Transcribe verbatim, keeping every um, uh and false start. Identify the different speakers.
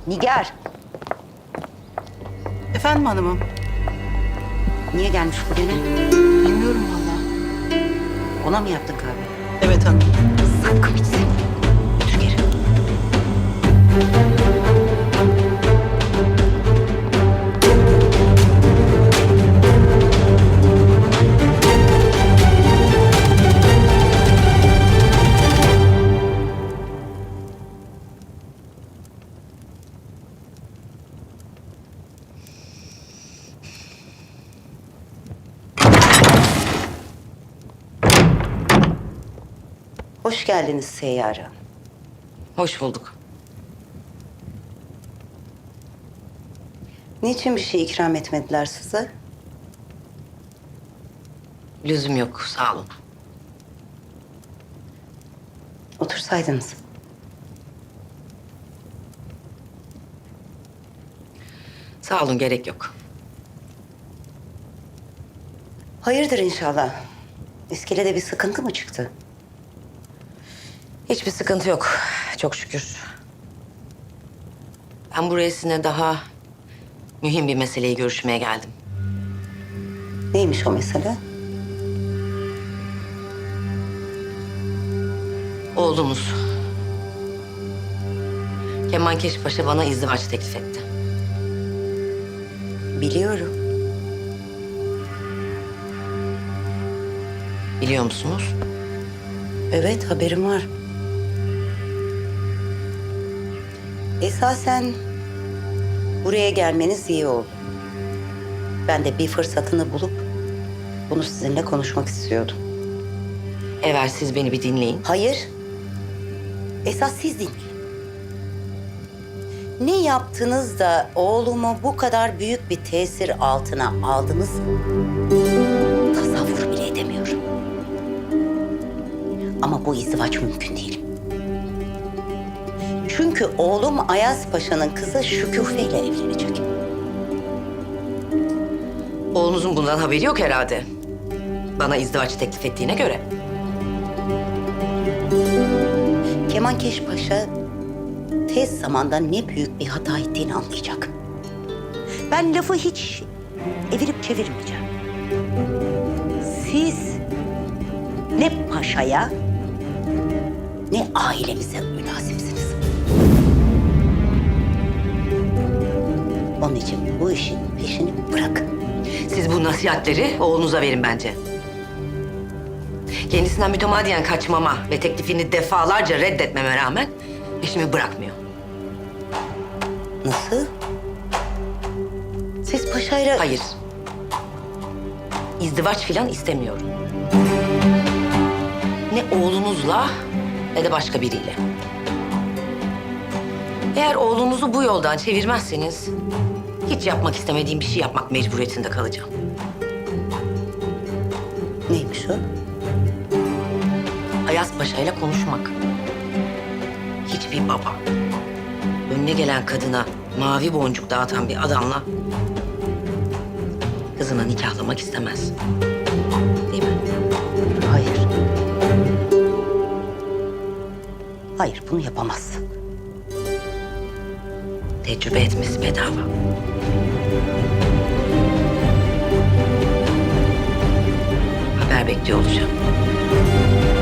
Speaker 1: Nigar,
Speaker 2: Efendim hanımım?
Speaker 1: niye gelmiş bu gene?
Speaker 2: Bilmiyorum vallahi.
Speaker 1: Ona mı yaptın kahve?
Speaker 2: Evet hanım.
Speaker 1: Sapkın bitsin. Dur geri. Hoş geldiniz Seyyare Hanım.
Speaker 3: Hoş bulduk.
Speaker 1: Niçin bir şey ikram etmediler size?
Speaker 3: Lüzum yok, sağ olun.
Speaker 1: Otursaydınız.
Speaker 3: Sağ olun, gerek yok.
Speaker 1: Hayırdır inşallah. İskelede bir sıkıntı mı çıktı?
Speaker 3: Hiçbir sıkıntı yok, çok şükür. Ben buraya sizinle daha mühim bir meseleyi görüşmeye geldim.
Speaker 1: Neymiş o mesele?
Speaker 3: Oğlunuz. Kemankeş Paşa bana izdivaç teklif etti.
Speaker 1: Biliyorum.
Speaker 3: Biliyor musunuz?
Speaker 1: Evet, haberim var. Esasen buraya gelmeniz iyi oldu. Ben de bir fırsatını bulup bunu sizinle konuşmak istiyordum.
Speaker 3: Evvel siz beni bir dinleyin.
Speaker 1: Hayır. Esas siz dinleyin. Ne yaptınız da oğlumu bu kadar büyük bir tesir altına aldınız? Tasavvur bile edemiyorum. Ama bu izdivaç mümkün değil. Çünkü oğlum Ayaz Paşa'nın kızı Şüküfe ile evlenecek.
Speaker 3: Oğlunuzun bundan haberi yok herhalde. Bana izdivaç teklif ettiğine göre.
Speaker 1: Kemankeş Paşa tez zamanda ne büyük bir hata ettiğini anlayacak. Ben lafı hiç evirip çevirmeyeceğim. Siz ne paşaya ne ailemize münasipsiniz. Onun için bu işin peşini bırakın.
Speaker 3: Siz bu nasihatleri oğlunuza verin bence. Kendisinden mütemadiyen kaçmama ve teklifini defalarca reddetmeme rağmen peşimi bırakmıyor.
Speaker 1: Nasıl? Siz paşayla...
Speaker 3: Hayır. İzdivaç filan istemiyorum. Ne oğlunuzla ne de başka biriyle. Eğer oğlunuzu bu yoldan çevirmezseniz hiç yapmak istemediğim bir şey yapmak mecburiyetinde kalacağım.
Speaker 1: Neymiş o?
Speaker 3: Ayaz Paşa ile konuşmak. Hiçbir baba önüne gelen kadına mavi boncuk dağıtan bir adamla kızını nikahlamak istemez. Değil mi?
Speaker 1: Hayır. Hayır, bunu yapamazsın.
Speaker 3: Tecrübe etmesi bedava. Haber bekliyor olacağım.